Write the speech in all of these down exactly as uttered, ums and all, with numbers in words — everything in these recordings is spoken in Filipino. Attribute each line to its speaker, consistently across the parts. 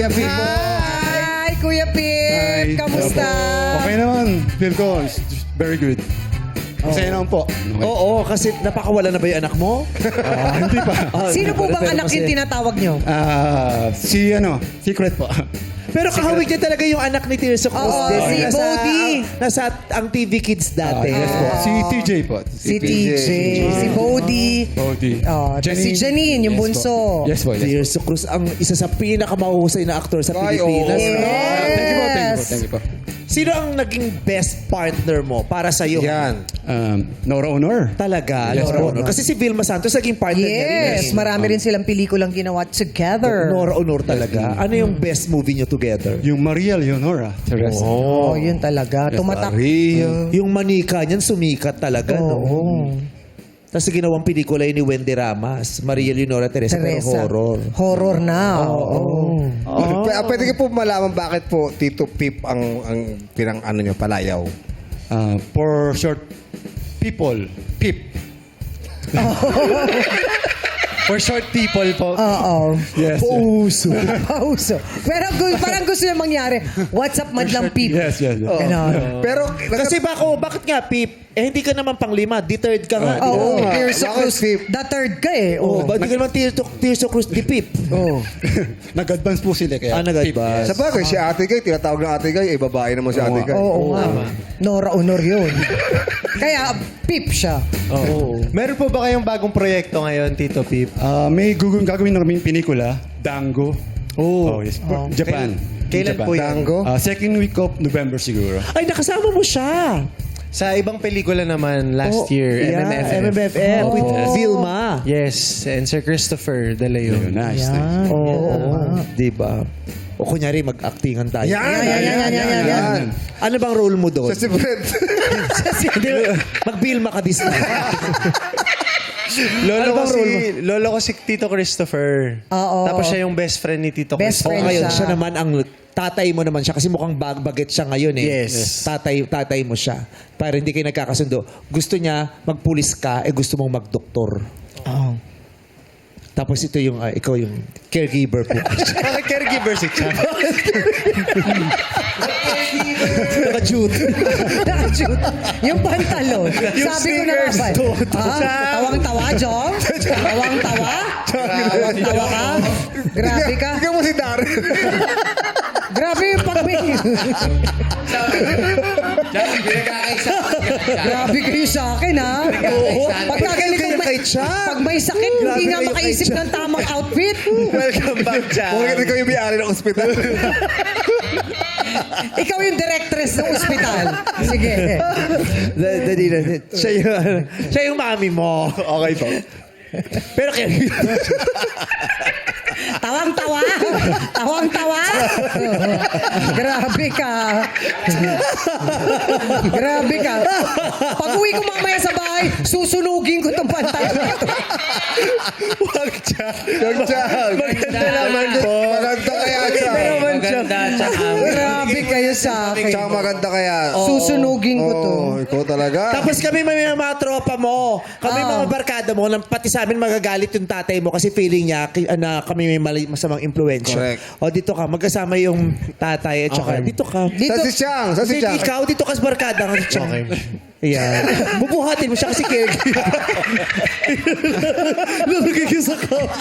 Speaker 1: Kuya Pip po.
Speaker 2: Hi, Kuya Pip! Kamusta?
Speaker 3: Okay naman. Feel ko, it's very good. Masaya naman po. Okay.
Speaker 1: Oo, kasi napakawala na ba yung anak mo?
Speaker 3: Ah, hindi pa.
Speaker 1: Ah,
Speaker 2: Sino po bang
Speaker 1: pero
Speaker 2: anak
Speaker 1: kasi-
Speaker 2: yung tinatawag nyo?
Speaker 3: Ah, si ano, secret po.
Speaker 1: Pero kahawig niya talaga yung anak ni Tirso Cruz.
Speaker 2: Oo,
Speaker 1: din.
Speaker 2: si
Speaker 1: Nasa-
Speaker 2: Bodhi.
Speaker 1: ang- Nasa ang T V Kids
Speaker 3: Ah,
Speaker 1: dati.
Speaker 3: yes po. Si T J po.
Speaker 2: Si T J, si Bodhi.
Speaker 3: Bodhi.
Speaker 2: Oh, si Janine, yung
Speaker 3: Yes po.
Speaker 2: bunso.
Speaker 3: Yes po, yes po.
Speaker 1: Tirso Cruz, ang isa sa pinakamahusay na aktor sa
Speaker 4: Ay,
Speaker 1: Pilipinas.
Speaker 2: oo.
Speaker 1: no?
Speaker 3: Ah, thank you po, thank you po,
Speaker 2: Yes.
Speaker 3: thank you po.
Speaker 1: Sino ang naging best partner mo para sa iyo?
Speaker 4: Yan.
Speaker 3: Um, Nora Honor.
Speaker 1: Talaga.
Speaker 3: Yes,
Speaker 1: Nora
Speaker 3: po.
Speaker 1: Honor. Kasi si Vilma Santos naging partner niya rin.
Speaker 2: Yes, marami rin silang pelikulang ginawa together.
Speaker 1: Nora Honor talaga. Ano yung best movie niyo together?
Speaker 3: Yung Maria Leonora Teresa.
Speaker 2: Oh, yun talaga. Tumatak.
Speaker 4: Maria.
Speaker 1: Yung manika niyan sumikat talaga. No?
Speaker 2: Oo.
Speaker 1: Tapos ginawang pelikula yun ni Wendy Ramas, Maria Leonora Teresa, pero
Speaker 2: Teresa.
Speaker 1: horror.
Speaker 2: Horror na. Oo.
Speaker 4: P- pwede ko po malaman bakit po Tito Pip ang ang pinang ano nyo, palayaw.
Speaker 3: Ah, for short, people. Pip. For short people po.
Speaker 2: Oo.
Speaker 3: Yes.
Speaker 1: Pauso.
Speaker 2: Pauso. Pero gu- parang gusto niya mangyari. What's up, madlang peep?
Speaker 3: Yes, yes, yes.
Speaker 2: Ganon.
Speaker 4: Pero,
Speaker 1: Kasi bako, bakit nga, Pip? Eh, hindi ka naman panglima. Di third ka nga. di ba?
Speaker 2: Oo,
Speaker 4: nga.
Speaker 2: Tirso
Speaker 4: Bakit
Speaker 2: Cruz.
Speaker 4: Pip?
Speaker 2: The third ka eh.
Speaker 1: Oh,
Speaker 2: Oo.
Speaker 1: ba't di ka naman Tirso, Tirso Cruz di Pip?
Speaker 2: Oh.
Speaker 3: Nag-advance po sila kaya.
Speaker 1: Ah, nag-advance.
Speaker 3: Pip,
Speaker 4: sa bagay, si Ate Gay, tinatawag ng Ate Gay, eh, babae naman si Ate Gay.
Speaker 2: Oo nga. Nora Honor yun. Kaya, peep siya.
Speaker 1: Oo.
Speaker 5: Meron po ba kayong bagong proyekto ngayon, Tito Pip?
Speaker 3: Ah, may gugong gagawin namin pelikula, Dango. Oh, yes. Japan.
Speaker 5: Kailan
Speaker 3: Japan.
Speaker 5: po yan?
Speaker 4: Dango?
Speaker 3: Ah, second week of November siguro.
Speaker 1: Ay, nakasama mo siya.
Speaker 5: Sa ibang pelikula naman last
Speaker 1: Oh,
Speaker 5: year,
Speaker 1: yeah,
Speaker 5: M M F F.
Speaker 1: M M F F with
Speaker 2: Oh.
Speaker 1: Vilma.
Speaker 5: Yes, and Sir Christopher De
Speaker 3: Ayun,
Speaker 5: Leon.
Speaker 3: nice. nice.
Speaker 2: Yan.
Speaker 1: Oo. Di ba? O kunyari, mag-actingan tayo.
Speaker 4: Yan,
Speaker 2: Yan, yan, yan, yan, yan, yan.
Speaker 1: Ano bang role mo doon?
Speaker 4: Sa si Fred.
Speaker 1: Hindi, mag-Vilma ka this time.
Speaker 5: Lolo
Speaker 1: Ano
Speaker 5: ko
Speaker 1: bang
Speaker 5: si,
Speaker 1: role mo?
Speaker 5: lolo ko si Tito Christopher.
Speaker 2: Oo.
Speaker 5: Tapos siya yung best friend ni Tito
Speaker 2: Best
Speaker 1: O
Speaker 5: Christopher.
Speaker 2: friend.
Speaker 1: ngayon,
Speaker 2: siya.
Speaker 1: siya naman ang tatay mo naman siya kasi mukhang bag baget siya ngayon eh.
Speaker 5: Yes.
Speaker 1: Tatay, tatay mo siya. Para hindi kayo nagkakasundo. Gusto niya magpulis ka, eh gusto mong magdoktor.
Speaker 2: Oh.
Speaker 1: Tapos ito yung, ah, ikaw yung caregiver po.
Speaker 5: Bakit caregiver si Chang?
Speaker 1: Naka-duty.
Speaker 2: Nakashoot. Yung pantalon.
Speaker 5: Yung
Speaker 2: Sabi ko na
Speaker 5: sneakers,
Speaker 2: nga ba?
Speaker 5: dude.
Speaker 2: Ah, tawang-tawa, Jong? Tawang-tawa? Tawang-tawa ka? Grabe ka.
Speaker 4: Ikaw mo si Darren.
Speaker 2: Grabe yung pag-may. Grabe kayo sa akin, ha? Oo. Pag nagaling
Speaker 1: kayo kay Chang.
Speaker 2: pag may sakit, hindi
Speaker 1: Grabe
Speaker 2: nga
Speaker 1: kayo kay
Speaker 2: makaisip
Speaker 1: Chang.
Speaker 2: ng tamang outfit.
Speaker 5: Welcome back, Chang.
Speaker 4: Bakit ikaw yung may-ari ng ospital?
Speaker 2: Ikaw yung directress ng ospital. Sige.
Speaker 1: Da- Dali na. Siya yung, siya yung mami mo. Okay po. Pero caregiver.
Speaker 2: Tawang-tawa. Tawang-tawa. Grabe ka. Grabe ka. Pag uwi ko mamaya sa bahay, susunugin ko itong pantalon na ito.
Speaker 5: Wag, Chang.
Speaker 4: Yung Chang.
Speaker 5: Maganda naman po.
Speaker 4: Maganda kaya, Chang.
Speaker 5: Maganda, Chang.
Speaker 2: Grabe kayo sa akin.
Speaker 4: Chang, maganda kaya.
Speaker 2: Susunugin ko to.
Speaker 4: Oo, ikaw talaga.
Speaker 1: Tapos kami may mga, mga tropa mo, kami
Speaker 2: Ah.
Speaker 1: mga barkada mo, nang pati sa amin magagalit yung tatay mo kasi feeling niya ki- na kami may mali, masamang impluensya.
Speaker 4: Correct.
Speaker 1: O dito ka, magkasama yung tatay at saka dito ka.
Speaker 2: Dito,
Speaker 4: Sa si Chang, sa si
Speaker 1: Hindi,
Speaker 4: Chang.
Speaker 1: ikaw dito ka sa barkada. Kasi
Speaker 5: Okay.
Speaker 1: Ayan. Bubuhatin mo siya kasi caregiver. Lalagay ka sa kama.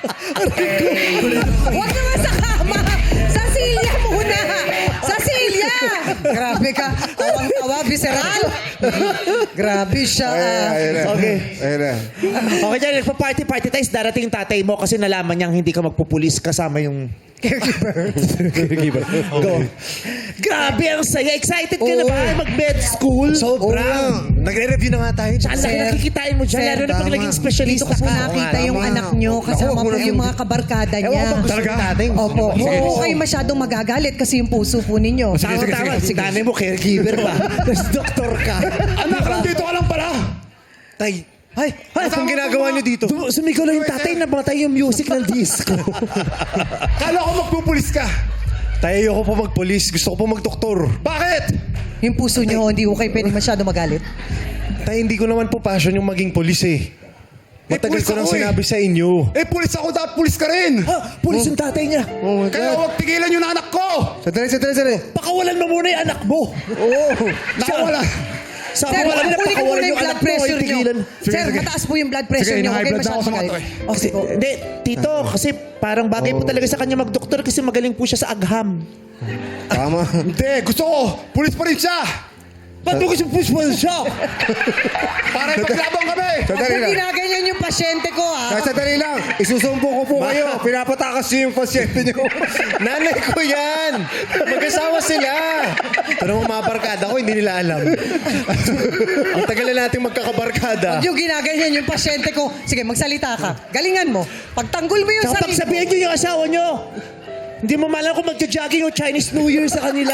Speaker 2: Huwag naman sa kama. Sa silya muna. Sa silya. Grabe ka. Tawang-tawa, visceral. Grabe siya.
Speaker 4: Ayun,
Speaker 2: ah.
Speaker 4: ayun na.
Speaker 1: Okay.
Speaker 4: Ayun na.
Speaker 1: Okay, dyan, nagpa-party-party tayo. Darating yung tatay mo kasi nalaman niyang hindi ka magpupulis kasama yung
Speaker 2: Caregiver.
Speaker 1: Go. Grabe, ang saya. Excited ka na
Speaker 2: Oo.
Speaker 1: ba mag-med school?
Speaker 5: Sobrang. Nagre-review na nga tayo.
Speaker 1: Tsaka laki
Speaker 2: Sir.
Speaker 1: nakikitain mo dyan.
Speaker 2: Sir,
Speaker 1: Lalo na pag
Speaker 4: tama.
Speaker 1: naging
Speaker 2: Dito
Speaker 1: specialista
Speaker 2: ko po
Speaker 1: ka.
Speaker 2: nakita yung
Speaker 4: tama.
Speaker 2: anak nyo kasama
Speaker 4: Naku,
Speaker 2: po
Speaker 4: wala
Speaker 2: yung mga kabarkada niya.
Speaker 3: Talaga?
Speaker 2: Opo. Huwag kayo masyadong magagalit kasi yung puso po ninyo.
Speaker 1: Tama, tama. Dami mo, caregiver pa. Tapos doktor ka.
Speaker 3: Anak, nandito ka lang pala!
Speaker 5: Tay. Ay, ay, anong ginagawa niyo dito?
Speaker 1: Dum- Sumigaw lang yung tatay na matay yung music ng disco.
Speaker 3: Kala ko magpupulis ka!
Speaker 5: Tay, ayoko po magpolis. Gusto ko po magdoktor.
Speaker 3: Bakit?
Speaker 2: Yung puso nyo, hindi ko kayo pwede masyadong magalit.
Speaker 5: Tay, hindi ko naman po passion yung maging polis eh. Matagal
Speaker 3: pulis
Speaker 5: ko nang
Speaker 3: ako eh.
Speaker 5: sinabi sa inyo.
Speaker 3: Eh, pulis ako, dapat pulis ka rin.
Speaker 1: Ha? Pulis yung tatay niya.
Speaker 4: Oh my
Speaker 3: Kaya
Speaker 4: God.
Speaker 3: huwag tigilan yung anak ko.
Speaker 4: Sandali, sandali, sandali.
Speaker 1: Pakawalan mo muna yung anak mo.
Speaker 4: Oo.
Speaker 3: Nakawala.
Speaker 1: Sa
Speaker 2: Sir,
Speaker 1: wala na
Speaker 2: kunin ko
Speaker 1: pakawalan
Speaker 2: muna yung
Speaker 1: yung
Speaker 2: blood
Speaker 1: anak mo.
Speaker 2: pressure
Speaker 1: Ay,
Speaker 2: nyo.
Speaker 1: tigilan.
Speaker 3: Sige,
Speaker 2: Sir,
Speaker 3: sige.
Speaker 2: mataas po yung blood pressure
Speaker 3: Sige,
Speaker 2: nyo.
Speaker 3: high
Speaker 2: Okay,
Speaker 3: blood na ako
Speaker 2: masyado
Speaker 3: sa mga
Speaker 2: kayo.
Speaker 3: to eh.
Speaker 2: Oh,
Speaker 1: Kasi,
Speaker 2: sige po.
Speaker 1: hindi, tito, kasi parang bagay po talaga sa kanya magdoktor kasi magaling po siya sa agham.
Speaker 4: Tama.
Speaker 3: Hindi, gusto ko. Pulis pa rin siya.
Speaker 1: Ba't mo kasi push mo siya?
Speaker 3: Para ipaglabang kami.
Speaker 2: Huwag
Speaker 4: Sandali
Speaker 2: mo
Speaker 4: lang.
Speaker 2: ginaganyan yung pasyente ko, ha?
Speaker 4: Sandali lang. Isusumpo ko po kayo. Pinapatakas niyo yung pasyente niyo.
Speaker 5: Nanay ko yan! Mag-asawa sila! Pero mga barkada ko, hindi nila alam. Ang tagal na natin magkakabarkada.
Speaker 2: Huwag yung ginaganyan yung pasyente ko. Sige, magsalita ka. Galingan mo. Pagtanggol mo yung
Speaker 1: Kapag
Speaker 2: sarili
Speaker 1: sabihin niyo yung asawa niyo, hindi mo malam kung magja-jogging o Chinese New Year sa kanila.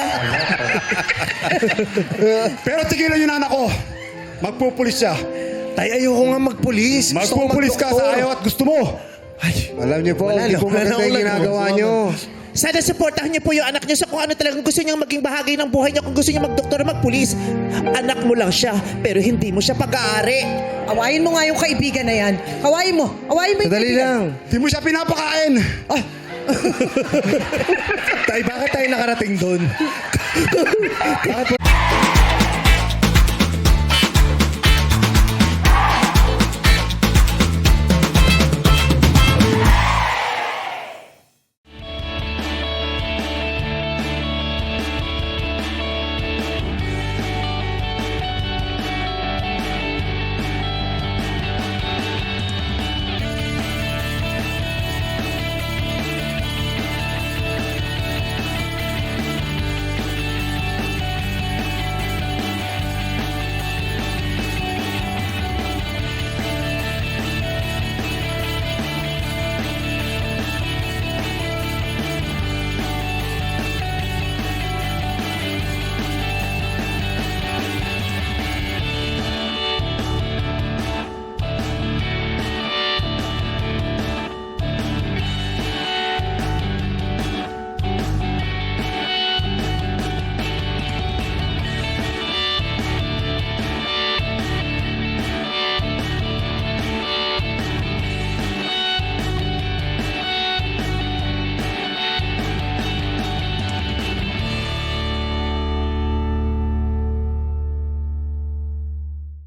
Speaker 3: Pero tigilan yung anak ko. Magpupulis siya.
Speaker 5: Tay, ayoko nga magpulis. Gusto ko
Speaker 3: Magpupulis ka sa
Speaker 5: magdoktor.
Speaker 3: ayaw at gusto mo.
Speaker 4: Alam niyo po,
Speaker 5: Wala
Speaker 4: hindi
Speaker 5: na,
Speaker 4: po
Speaker 5: wala
Speaker 4: maganda
Speaker 5: na
Speaker 4: yung
Speaker 5: akong
Speaker 4: ginagawa
Speaker 5: nagawa.
Speaker 4: niyo.
Speaker 1: Sana supportahan niyo po yung anak niyo sa kung ano talagang gusto niyang maging bahagi ng buhay niya. Kung gusto niya magdoktor o magpulis, anak mo lang siya, pero hindi mo siya pag-aari.
Speaker 2: Awayin mo nga yung kaibigan na yan. Awayin mo. Awayin mo yung
Speaker 4: Sandali
Speaker 2: kaibigan.
Speaker 4: lang.
Speaker 3: Di mo siya pinapakain.
Speaker 5: Tay, bakit tayo nakarating doon? Bakit